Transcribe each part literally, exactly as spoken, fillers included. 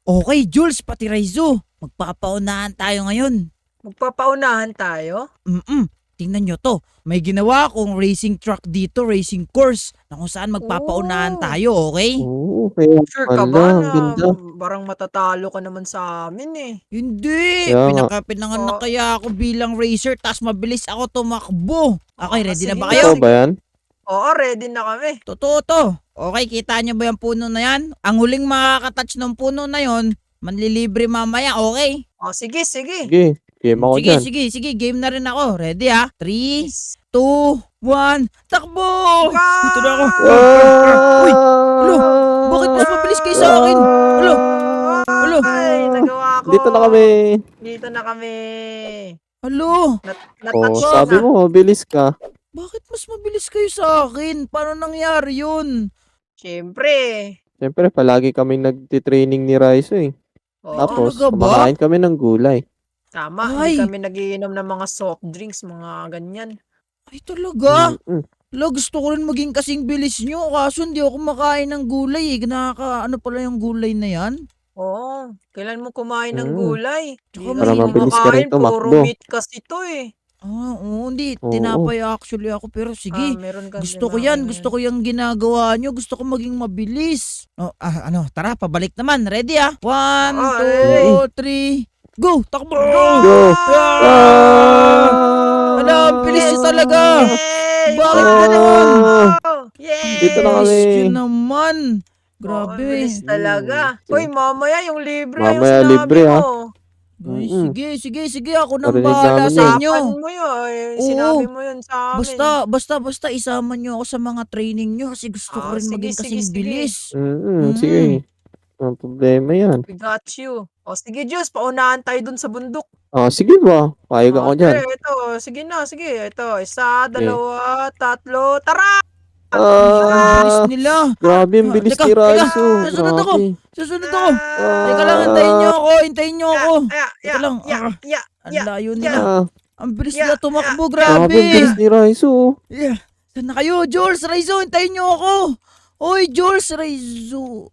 Okay, Jules, pati Raizo. Magpapaunahan tayo ngayon. Magpapaunahan tayo? Mm-mm. Tingnan nyo to. May ginawa akong racing truck dito, racing course, na kung saan magpapaunahan Oh, tayo, okay? Oo, kaya sure ka ba pala, ang na ganda. barang matatalo ka naman sa amin eh? Hindi! Kaya nga. Pinaka, pinanganak Oh. kaya ako bilang racer, tas mabilis ako tumakbo. Okay, Ah, ready na sige ba na, kayo? Totoo sige. ba yan? Oo, ready na kami. Totoo to. Okay, kita nyo ba yung puno na yan? Ang huling makakatouch ng puno na yon, manlilibre mamaya, okay? Oh, sige, sige. Sige, game ako Sige, dyan. sige, sige. Game na rin ako. Ready ha? three, Yes. two, one, takbo! Go! Dito na ako. Ah! Uy! Alo! Bakit mas mabilis kayo sa akin? Alo! Alo! Ay, nagawa ko. Dito na kami. Dito na kami. Alo! Nat Oh, natouch ko sabi na. mo, bilis ka. Bakit mas mabilis kayo sa akin? Paano nangyari yun? Siyempre. Siyempre, palagi kaming nagtitraining ni Raizo eh. Oo, Tapos, talaga ba? kumakain kami ng gulay. tama. Ay. Hindi kami nagiinom ng mga soft drinks, mga ganyan. Ay talaga? Mm-mm. Alo, gusto ko rin maging kasing bilis nyo. Kaso hindi ako kumakain ng gulay eh. Nakaka, ano pala yung gulay na yan? Oo, kailan mo kumain ng Mm. gulay? Tsaka Hindi Para kasi mabilis ka rin kumakain, puro tumakbo. meat kasi to eh. Ah, oo, hindi. Oo. Tinapay actually ako. Pero sige, Ah, meron kang gusto ko tinapay yan. ngayon. Gusto ko yung ginagawa nyo. Gusto ko maging mabilis. Oh, ah, ano, tara, pabalik naman. Ready ah? One, Oo, two, ready. three, go! Takbo! Go! Ah! Ah! Ala, ang bilis nyo talaga! Yay! Bakit Oh! ganon? Yay! Dito na Bilis kami. nyo naman. Oo, Grabe. bilis talaga. Mm. Uy, mamaya yung libre ah, yung Mamaya sinabi libre, mo. Ay, Mm-mm. sige, sige, sige. Ako nang Narinig bahala namin sa yun. inyo. Usapan mo yun. eh, Oo. Sinabi mo yun sa amin. Basta, basta, basta isama nyo ako sa mga training nyo kasi gusto ko Ah, rin sige, maging sige, kasing sige. bilis. Mm-mm, Mm. sige. Ang problema yan. We got you. O sige, Diyos, paunahan tayo dun sa bundok. Ah, sige ba? Payag O, ako dyan. sige, ito. Sige na, sige. Ito, isa, dalawa, tatlo, tara! Ang bilis Ah! nila. Grabe, ang Ah, bilis teka, ni teka. Raizo. Susunod ako. Grabe. Susunod ako. Ah. Teka lang, hintayin nyo ako. Hintayin nyo ako. Ya, Teka lang. ya, Ah, ya, ang ya, layo ya. nila. Ah, Ang bilis Ya, nila tumakbo. ya, grabe, ang bilis Grabe. ni Raizo. Yeah. Saan na kayo? Jules, Raizo, hintayin nyo ako. Oy, Jules, Raizo.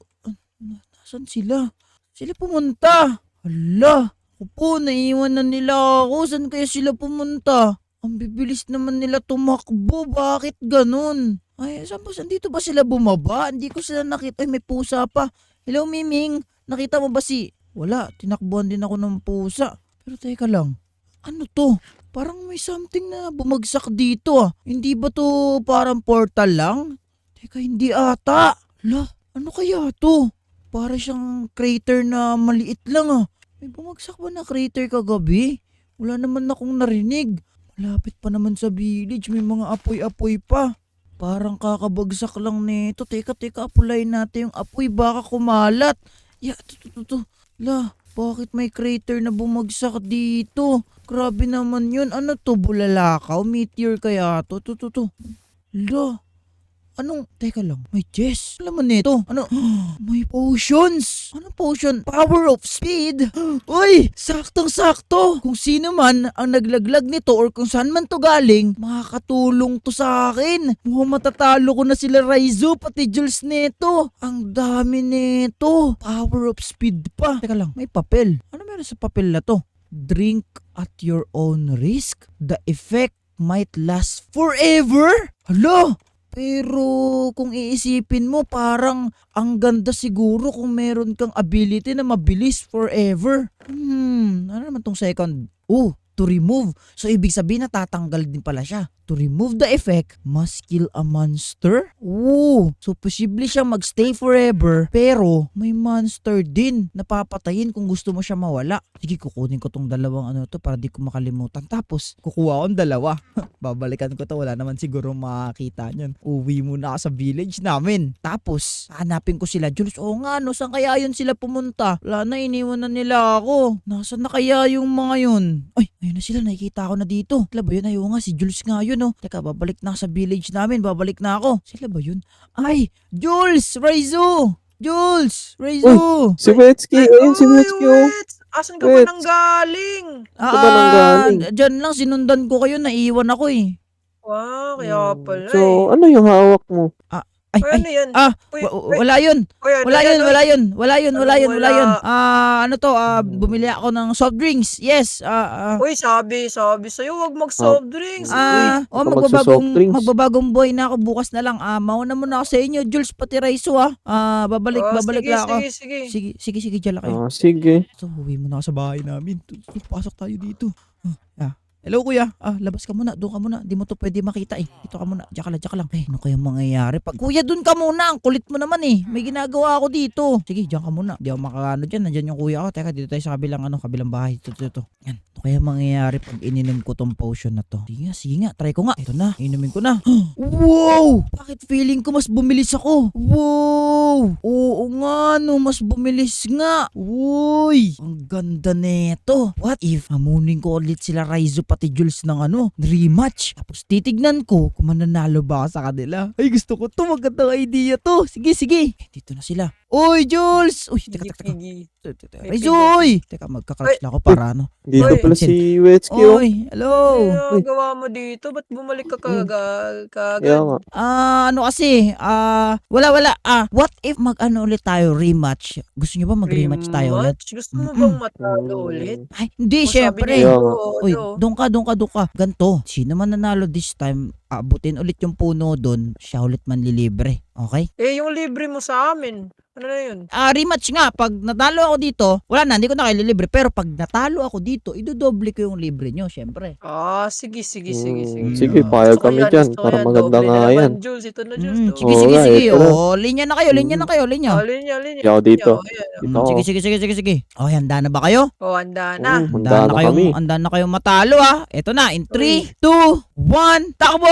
Nasaan sila? Sila pumunta. Hala. Ako po, naiwan na nila ako. Saan kaya sila pumunta? Ang bibilis naman nila tumakbo. Bakit ganun? Ay, saan ba? Dito ba sila bumaba? Hindi ko sila nakita. Ay, may pusa pa. Hello, Miming. Nakita mo ba si... Wala, tinakbuhan din ako ng pusa. Pero teka lang. Ano to? Parang may something na bumagsak dito ah. Hindi ba to parang portal lang? Teka, hindi ata. La, ano kaya to? Para siyang crater na maliit lang ah. May bumagsak ba na crater kagabi? Wala naman akong narinig. Malapit pa naman sa village. May mga apoy-apoy pa. Parang kakabagsak lang nito. Teka, teka, apulayin natin yung apoy. Baka kumalat. Ya, to, to, to, to. La, bakit may crater na bumagsak dito? Grabe naman yun. Ano to, bulalakaw? Meteor kaya to? To, to, to. La, anong, teka lang, may chest. Alam mo nito, ano, may potions. Ano potion? Power of speed. Uy, saktong-sakto. Kung sino man ang naglaglag nito or kung saan man to galing, makakatulong to sa akin. Mukhang matatalo ko na sila Raizo, pati Jules nito. Ang dami nito. Power of speed pa. Teka lang, may papel. Ano meron sa papel na to? Drink at your own risk. The effect might last forever. Hala! Pero kung iisipin mo, parang ang ganda siguro kung meron kang ability na mabilis forever. Hmm, ano naman tong second? Oh, to remove. So ibig sabihin natatanggal din pala siya. To remove the effect, must kill a monster? Oh, so posible siya magstay forever, pero may monster din na papatayin kung gusto mo siya mawala. Sige, kukunin ko tong dalawang ano to para di ko makalimutan. Tapos, kukuha ko ang dalawa. Babalikan ko to, wala naman siguro makakita niyan. Uwi muna ako sa village namin. Tapos, hanapin ko sila. Jules, oo nga, no, saan kaya yun sila pumunta? Wala na, iniwan na nila ako. Nasaan na kaya yung mga yun? Ay, ayun na sila, nakikita ko na dito. Sila ba yun? Ayaw nga, si Jules nga yun, no. Teka, babalik na ako sa village namin. Babalik na ako. Sila ba yun? Ay, Jules! Raizo! Jules! Raizo! Si Wetsky, ayun si Uy, Wetsky, oh. Wets! Asan ka ba Wets. nang galing? Saan ba nanggaling? Ah, dyan lang, sinundan ko kayo, naiwan ako eh. Wow, kaya Hmm, pala So, eh. ano yung hawak mo? Ay, Uy, ay, ano yan? ah, Uy, wa- uy, wala yun. uy, ano Wala yan, yun, uy? wala yun, wala yun, wala Anong yun, wala wala? yun. Ah, ano to, ah, Hmm. bumili ako ng soft drinks. Yes, ah, ah. Uy, sabi, sabi sa'yo, wag Ah, mag-soft drinks. uy, Ah, oh, baka magsa-soft magbabagong drinks. magbabagong boy na ako bukas na lang. Ah, mauna muna ako sa inyo, Jules pati Raiso ah. Ah, babalik Oh, babalik sige, lang ako. sige, sige. Sige, sige, sige, diyan lang kayo. Ah, sige. So, uwi muna ako sa bahay namin. Tu- tu- Pasok tayo dito. Ah, ah. Hello kuya. Ah, labas ka muna. Doon ka muna. Di mo to pwede makita eh. Dito ka muna. Diyan ka lang, diyan ka lang. Eh, ano kaya mangyayari? Pag kuya, doon ka muna. Ang kulit mo naman eh. May ginagawa ako dito. Sige, diyan ka muna. Di ako makakano dyan. Nandyan yung kuya ko. Teka, dito tayo sa kabilang ano, kabilang bahay. Ito, ito, ito. Yan. Ano kaya mangyayari pag ininom ko tong potion na to? Sige nga, sige nga. Try ko nga. Ito na. Inumin ko na. Wow! Bakit feeling ko mas bumilis ako? Wow! Oo nga no, mas bumilis nga. Uy! Ang ganda neto. What if hamunin ko ulit sila Raizo pati Jules ng ano, rematch? Tapos titignan ko kung mananalo ba ako sa kanila. Ay, gusto ko to. Magandang idea to. Sige, sige. Eh, dito na sila. Uy, Jules! Uy, teka, teka, teka. Pigi. Teka, teka. Raizo, uy! Teka, magka-crouch lang ako para ano. Dito Uy. pala si Wetsky, oh. Uy, hello! Ano gawa mo dito? Ba't bumalik ka kaga- Kaya kagad? nga. Ah, ano kasi, ah, wala wala. Ah, what if mag-ano ulit tayo, rematch? Gusto niyo ba mag-rematch tayo ulit? Rematch? Gusto mo Mm-mm. bang matalo ulit? Hmm. Ay, hindi, O, sabi syempre. niya, Kaya nga. oo, Uy, ano? doon ka, doon ka, doon ka. Ganto, sino man nanalo this time, abutin ulit yung puno doon, siya ulit manlilibre. Okay? Eh, yung libre mo sa amin. Ano na yun? Ah, rematch nga. Pag natalo ako dito, wala na, hindi ko na kayo lilibre. Pero pag natalo ako dito, idodoble ko yung libre nyo, syempre. Ah, sige, sige, sige, Hmm, sige. sige, Ah. payag Gusto ko kami yan, dyan. gusto ko Para yan. maganda Doble nga na yan. naman, Jules. Ito na, Jules. Mm, to. sige, Oo sige, nga, sige. ito na. Oh, linya na kayo, linya na kayo, linya. Oh, linya, linya. Hindi ako dito. Oh, ayan. Mm, Dito ako. sige, sige, sige, sige, sige. Oh, handa na ba kayo? Oh, handa na. Oo, Handa handa na na kayong, kami. handa na kayong matalo ah. Ito na, in three, two, one, takbo!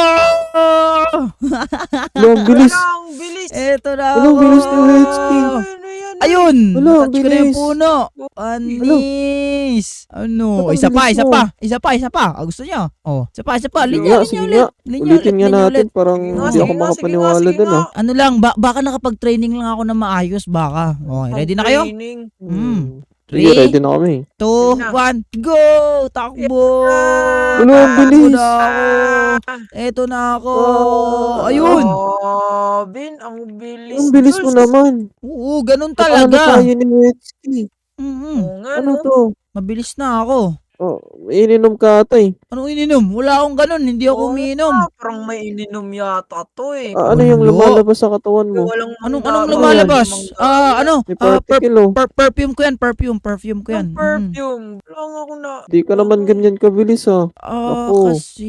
Wala, ang bilis. Wala, ang bilis. Ito na Wala, ang ako. bilis ni Wetsky. Ano yan? Ayun! Wala, ang Touch ko na yung bilis. puno. Panis! Ano? Ba't ang Isa pa, bilis isa mo? pa. Isa pa, isa pa. Ah, gusto niya. Oh, isa pa, isa pa. Sige Linya, nga, linya sige ulit. nga. Linya Ulitin ulit, nga linya natin. ulit. Parang Sige nga, hindi sige ako nga, sige makapaniwala nga, sige dun, nga. ah. Ano lang, ba baka nakapag-training lang ako na maayos, baka. Okay, ready na kayo? Training. Mm. Hmm. Sige, Three, ready na kami. two, Sige na. one, go! Takbo! Wala, ang Takbo bilis. na ako. Eto na ako. Ah. Ayun! Oh, Bin, ang bilis. Ang bilis mo Jules. naman. Oo, ganun Paano talaga. tayo ni Wetsky? Mm-mm. Oo nga, Ano no? to? Mabilis na ako. Oh, ininom ka ata eh. Anong ininom? Wala akong ganun. Hindi ako Oo umiinom. nga, parang may ininom yata to eh. Ah, ano yung Wala. lumalabas sa katawan Eh, mo? walang Anong mangga- anong Ano lumalabas? mangga- Ah, ano? May Ah, per- particle oh. per- perfume ko yan, perfume, perfume ko yan. Yung Mm. perfume. Wala nga ako na. Di ka naman ganyan kabilis ah. Ah, Naku. kasi...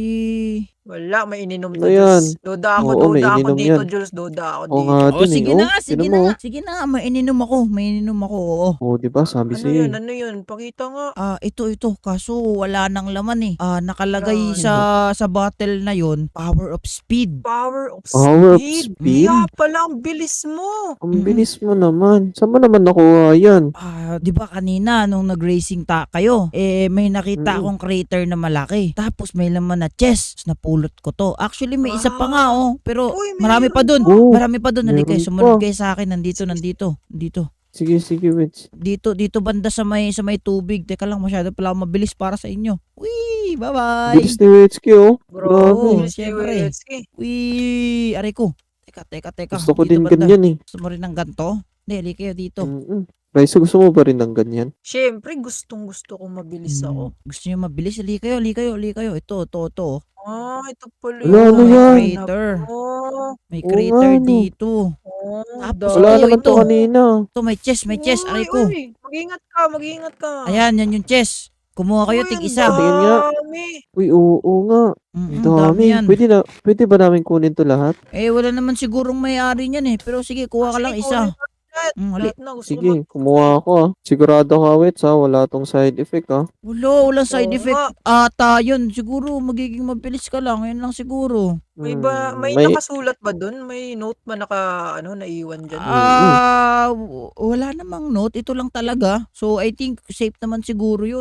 Wala, may ininom Ano to, yan? Jules. Duda ako, Oo, may duda ako ininom dito, yan. Jules. Duda ako Oo dito. nga Oh, dun eh. sige Oh, na nga, sige tinan na mo. nga. Sige na nga, may ininom ako. May ininom ako, oo. Oh, di ba? Sabi Ano sa'yo yun? eh. Ano yun? Pakita nga. Ah, ito, ito. Kaso wala nang laman eh. Ah, nakalagay Wala. sa sa bottle na yon, power of speed. Power of Power of speed. speed? Kaya pala, ang bilis mo. Ang Mm-mm. bilis mo naman. Saan mo naman nakuha yan? Ah, 'di ba kanina nung nag-racing ta kayo, eh may nakita Mm. akong crater na malaki. Tapos may laman na chest. Tapos napulot ko to. Actually may isa pa nga oh, pero Uy, marami pa dun. Oh, Marami pa dun. Halika, meron sumunod pa. kayo sa akin. Nandito, nandito. Dito. Sige, sige, wait. Dito, dito banda sa may sa may tubig. Teka lang, masyado pala ako mabilis para sa inyo. Wee, bye-bye. Bilis ni Wetsky oh. Bro, Grabe. Oo, bilis ni syempre. Wetsky. Wee, aray ko. Teka, teka, teka. Gusto ko Dito din banda. ganyan eh. Gusto mo rin ng ganto? Hindi, halika kayo dito. Mm-mm. Raisa, gusto mo ba rin ng ganyan? Siyempre, gustong gusto ko mabilis Hmm, ako. Gusto niyo mabilis? Halika kayo, halika kayo, halika kayo. Ito, ito, ito. Ah, ito pala Wala, yun. ano may yan? crater. Oh, May Oo crater nga, no. dito. oh, Tapos Wala ito, naman to ito. kanina. Ito, may chest, may chest. Aray Uy, ko. uy, mag-ingat ka, mag-ingat ka. Ayan, yan yung chest. Kumuha kayo, Uy, tig ang isa. Tingin nga. dami. Uy, oo, oo nga. Mm, Ang dami dami. yan. Pwede na, pwede ba namin kunin to lahat? Eh, wala naman sigurong may-ari niyan eh. Pero sige, kuha ka Sige, lang isa. kunin natin lahat. Mm, hali. Lahat na, gusto ko Sige, mag- kumuha ako ah. Sigurado ka, wait ha. Wala tong side effect ah. Wala, walang side Oo effect. nga. Ata, yun. Siguro, magiging mabilis ka lang. Yun lang siguro. May ba, Hmm, may, may, nakasulat ba dun? May note ba naka, ano, naiwan dyan? Ah, w- wala namang note. Ito lang talaga. So, I think safe naman siguro yun.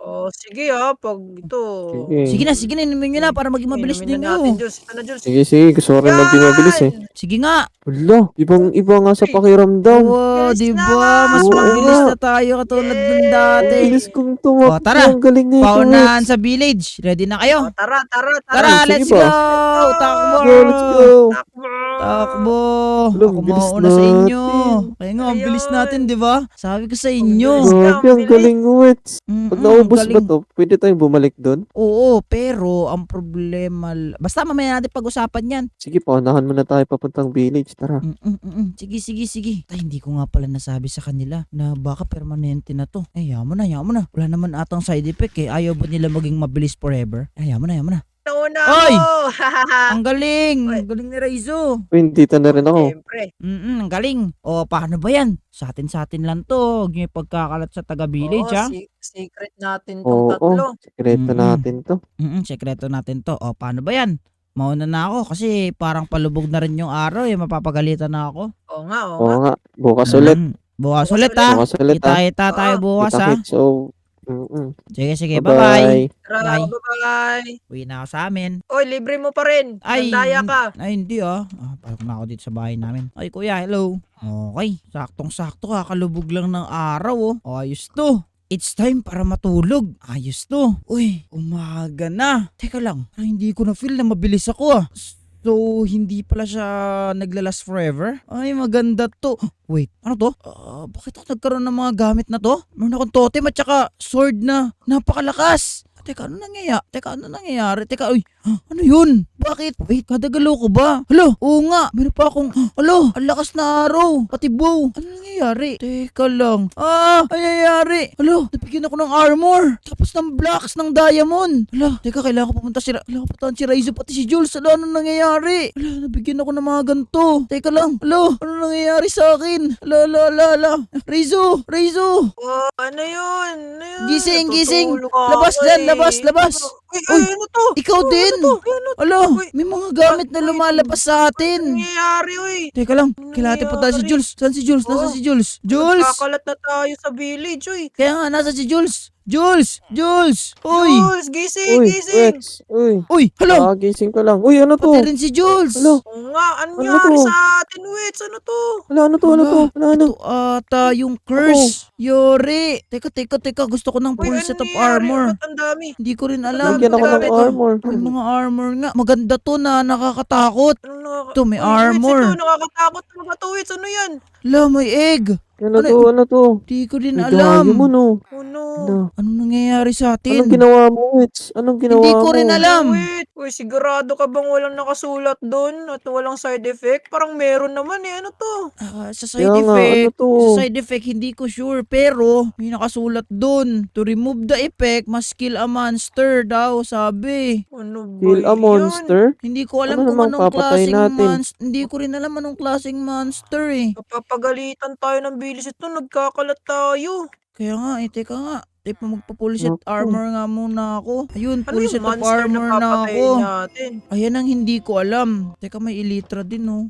Oh, sige ah, pag ito. Sige. Sige na, sige na, inumin nyo na para maging Sige, mabilis inumin din na natin, kayo. Jules. Ito na, Jules. Sige, sige. Gusto ko rin maging mabilis eh. Yan! Sige nga. Wala, ibang-iba nga sa Uy. pakiramdam. Oo, Bilis di na ba? nga. Mas Oo mabilis nga. na tayo katulad ng Yay! dati. Ang bilis kong tumakbo. O, tara. Ang galing na ito, Paunahan Wets. sa village. Ready na kayo? Oh, tara, tara, tara. Tara, sige let's ba? go! Takbo! Go, let's go. Takbo! Takbo! Wala, Ako bilis mauna sa inyo. natin. Kaya nga, ang bilis Ayun. natin, di ba? Sabi ko sa bilis inyo. na. Grabe, ang bilis. galing, Wets. Mm-mm, Pag naubos ba galing. to, pwede tayong bumalik doon? Oo, pero ang problema... l- Basta mamaya natin pag-usapan yan. Sige, paunahan muna tayo papuntang village. Tara. Mm-mm-mm. Sige, sige, sige. Tay, hindi ko nga pala nasabi sa kanila na baka permanente na to. Eh, yaman na, yaman na. Wala naman atang side effect eh. Ayaw ba nila maging mabilis forever? Eh, yaman na, yaman na. Nauna Oy! ako! Ang galing! Oy. Ang galing ni Raizo. Uy, dito na rin ako. Siyempre. Mm-mm, ang galing. O, paano ba yan? Sa atin-sa atin lang to. Huwag niyo ipagkakalat sa taga-village, Oo, ha? si- secret natin tong Oo, tatlo. sekreto Mm-mm. natin to. Mm-mm, sekreto natin to. O, paano ba yan? Mauna na ako kasi parang palubog na rin yung araw eh. Mapapagalitan na ako. Oo nga, oo Oo nga. nga, bukas ulit. Mm, bukas Bukas ulit, ulit. ha? Bukas ulit ah. Kita-kita tayo Oo. bukas, ha? Kita-kits. So, mm-mm. Sige, sige. Bye-bye. Tara, Bye. bye-bye. Uwi na ako sa amin. Oy, libre mo pa rin. Ay, Nandaya ka. Ay, hindi ah. Ah, parang na ako dito sa bahay namin. Ay, kuya, hello. Okay, saktong-sakto kakalubog lang ng araw oh. Ayos to. It's time para matulog. Ayos to. Uy, umaga na. Teka lang, parang hindi ko na feel na mabilis ako ah. So, hindi pala siya naglalas forever? Ay, maganda to. Wait, ano to? Ah, bakit ako nagkaroon ng mga gamit na to? Meron akong totem at saka sword na napakalakas. Teka, ano nangyayari? Teka, ano nangyayari? Teka, uy, huh, ano yun? Bakit? Wait, kadagalo ko ba? Hala, oo nga, meron pa akong, hala, ang lakas na araw, pati bow. Ano nangyayari? Teka lang. Ah, ano nangyayari? Hala, napigyan ako ng armor. Tapos ng blocks ng diamond. Hala, teka, kailangan ko pumunta si, Ra- kailangan ko pumunta si Raizo pati si Jules. Hala, ano nangyayari? Hala, nabigyan ako ng mga ganito. Teka lang, hala, ano nangyayari sa akin? Hala, hala, hala, hala. Raizo, Raizo. Oh, ano yun? Ano yun? Gising, gising. Natutulog ako Labas dyan, eh. labas, labas. Uy, Uy, ay, ano to? ikaw Oh, din. Ano to? Ano to? Alo, Uy, may mga gamit na uy, lumalabas sa Ano atin. nangyayari, uy? Teka lang, Ano kailangan natin punta si nangyayari? Jules. Saan si Jules? Nasaan Oo. si Jules? Jules! Kakalat na tayo sa village, uy. Kaya nga, nasa si Jules? Jules! Jules! Uy! Jules, gising, Uy, gising. Wets. Uy, Uy! Hello! kagising ko lang. Uy, ano to? Pati rin si Jules! Hello? Oo nga, ano Ano nangyari to? sa atin, Wits? Ano to? Wala, ano to? Ano to? Wala, ano? Ito ata yung curse. Yori! Teka, teka, teka. Gusto ko ng Uy, full ano set of nangyayari? armor. Ba't ang dami? Hindi ko rin alam. Lagyan ako ng gamit ko. armor. May mga armor nga. Maganda to na nakakatakot. Ano nakaka- Ito, may Uy, Wits, armor. ito, nakakatakot talaga to, Wits. Ano yan? La, may egg. Ano Ano- to? Ano to? Di ko din May alam. diamond, oh. Oh no. Ano? Anong nangyayari sa atin? Anong ginawa mo, Wets? Anong ginawa mo? Hindi ko rin alam. Wait, uy, sigurado ka bang walang nakasulat doon at walang side effect? Parang meron naman eh. Ano to? Ah, sa side Kaya nga, effect, ano to? sa side effect hindi ko sure pero may nakasulat doon. To remove the effect, must kill a monster daw, sabi. Ano ba Kill a yan? monster? Hindi ko alam Ano kung namang anong papatay klaseng natin? monster. Hindi ko rin alam anong klaseng monster eh. Papagalitan tayo ng bilis ito. Nagkakalat tayo. Kaya nga eh, teka nga. Teka, magpa-full set Naku. armor nga muna ako. Ayun, Ano full yung set of monster na armor na papatayin ako. natin? Ayan ang hindi ko alam. Teka, may elytra din oh.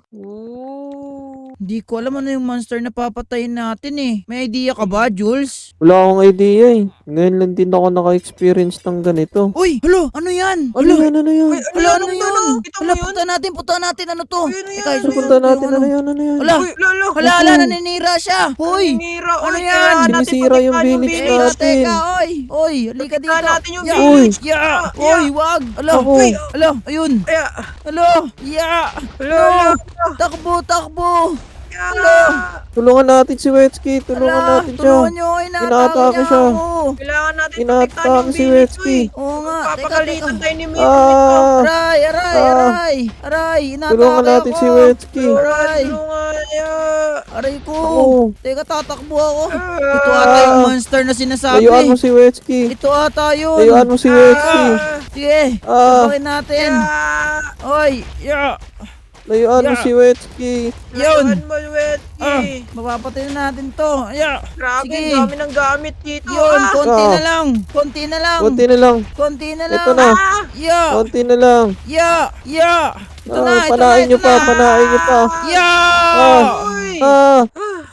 Ooh. Hindi ko alam ano yung monster na papatayin natin eh. May idea ka ba, Jules? Wala akong idea eh. Ngayon lang din ako naka-experience ng ganito. Uy, halo, ano yan? Ano yan? Ano yan? Uy, ano Wala, yan? ano Ano yun? yun? Kita mo Wala, yun? punta natin, punta natin, ano to? Uy, ano yan? Teka, Ano isusunod Punta ko natin. yung Ano yan? Ano yan? Wala, Uy, lalo. wala, Naku. wala, naninira siya. Hoy, Sinira. ano Uy, yan? kailangan natin Sinisira yung patikman village teka, natin. teka, oy, oy, halika dito. Patikman natin yung Ya, village. Ya, Ya, oy, ya. wag. Alo, Ako. uy, alo, ayun. Aya. Alo, ya. Lalo. Takbo, takbo. Aya. Tulungan natin si Wetsky. Tulungan Ala, natin siya. tulungan nyo, inatake Inaatake niya siya. ako. Kailangan natin Inaatake patikman yung si village, Wetsky. uy. Oo nga, teka, Papagalitan teka. tayo ni Mito. Ah! Aray, aray, Ah. aray. Aray, inatake Tulungan natin ako. si Wetsky. Aray. Tulungan niya. Aray ko. Ako. Teka, tatakbo ako. Ah. Ito ata yung monster na sinasabi. Layuan mo si Wetsky. Ito ata yun. Layuan mo si Wetsky. Ah. Sige, Ah. tabakin natin. Ah. Oy, yeah. Layuan mo Ya. si Wetsky. Yun. Layuan mo, Wetsky. Ah, mapapatay na natin to. Yeah. Grabe, Sige. ang dami ng gamit dito. Yun, ah. konti Ah. na lang. Konti na lang. Konti na lang. Konti na lang. Ito na. Ah. Yeah. Konti na lang. Yeah. Yeah. Ito Ah, na, ito na, panain ito nyo pa. na. Panain nyo pa. Yeah. Ah. Uy. Ah.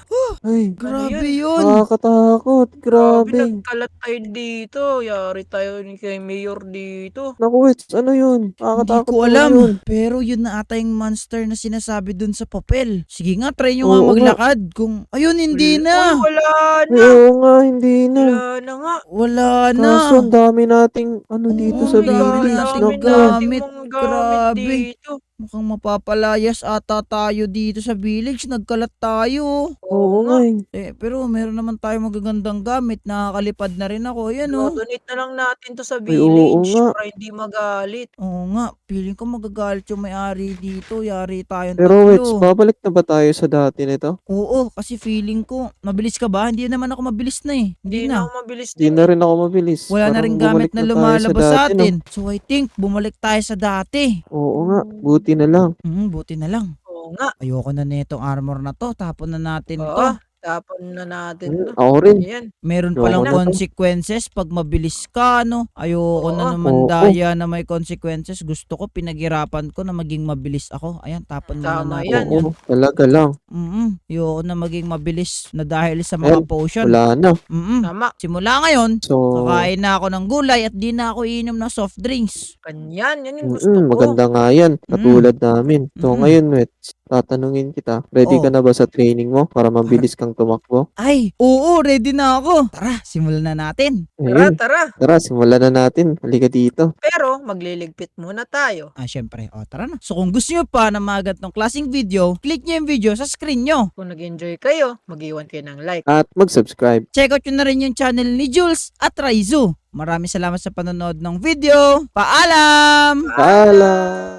Ay, Grabe yun? yun. nakakatakot. Grabe, Grabe. nagkalat tayo dito. Yari tayo ni kay Mayor dito. Naku, Wets, ano yun? Hindi Nakakatakot ko naman alam. yun. Pero yun na ata yung monster na sinasabi dun sa papel. Sige nga, try nyo Oo nga nga. maglakad. Kung, ayun, hindi Uy, na. wala Ay, na. oo nga, hindi na. Wala na nga. Wala na. Kaso, ang dami nating ano dito Oo, sa ang dami village. nating Dami Naku. nating gamit. mga gamit Grabe. dito. Mukhang mapapalayas ata tayo dito sa village. Nagkalat tayo. Oo Oo nga. nga eh. Eh, pero meron naman tayo magagandang gamit. Nakakalipad na rin ako. Ayan oh. Do-donate na lang natin to sa Ay, oo village nga. para hindi magalit. Oo nga. Feeling ko magagalit yung may-ari dito. Yari tayong Pero Wets, tatlo. babalik na ba tayo sa dati nito? Oo, kasi feeling ko. Mabilis ka ba? Hindi naman ako mabilis na eh. Hindi Hindi na na. ako mabilis Hindi din na eh. rin ako mabilis. Wala na Parang rin bumalik gamit na na tayo lumalabas sa dati, no? atin. So I think bumalik tayo sa dati. Oo nga, buti na lang. Hmm, buti na lang. Oo nga. Ayoko na nitong armor na to. Tapon na natin Oo. to. Tapon na natin Hmm, to. ako rin. Ayan. Meron Ayoko palang na to. consequences pag mabilis ka, no? Ayoko na Oo. naman Oo. daya na may consequences. Gusto ko, pinaghirapan ko na maging mabilis ako. Ayan, tapon muna Tama natin yan. yan. Oo, talaga lang. Mm Ayoko na maging mabilis na dahil sa mga Ayan, potion. wala na. Mm Tama. Simula ngayon, So, kakain na ako ng gulay at di na ako iinom ng soft drinks. Ganyan. Yan yung gusto mm, ko. maganda nga yan. Katulad namin. So, Mm-mm. ngayon, Wets, tatanungin kita. Ready ka Oh. na ba sa training mo para mabilis kang tumakbo? Ay, oo, ready na ako. Tara, simulan na natin. Tara, Ayun. tara. Tara, simulan na natin. Halika dito. Pero magliligpit muna tayo. Ah, syempre. O, tara na. So, kung gusto nyo pa na mga ganitong klaseng video, click nyo yung video sa screen nyo. Kung nag-enjoy kayo, mag-iwan kayo ng like. At mag-subscribe. Check out nyo na rin yung channel ni Jules at Raizu. Maraming salamat sa panonood ng video. Paalam! Paalam!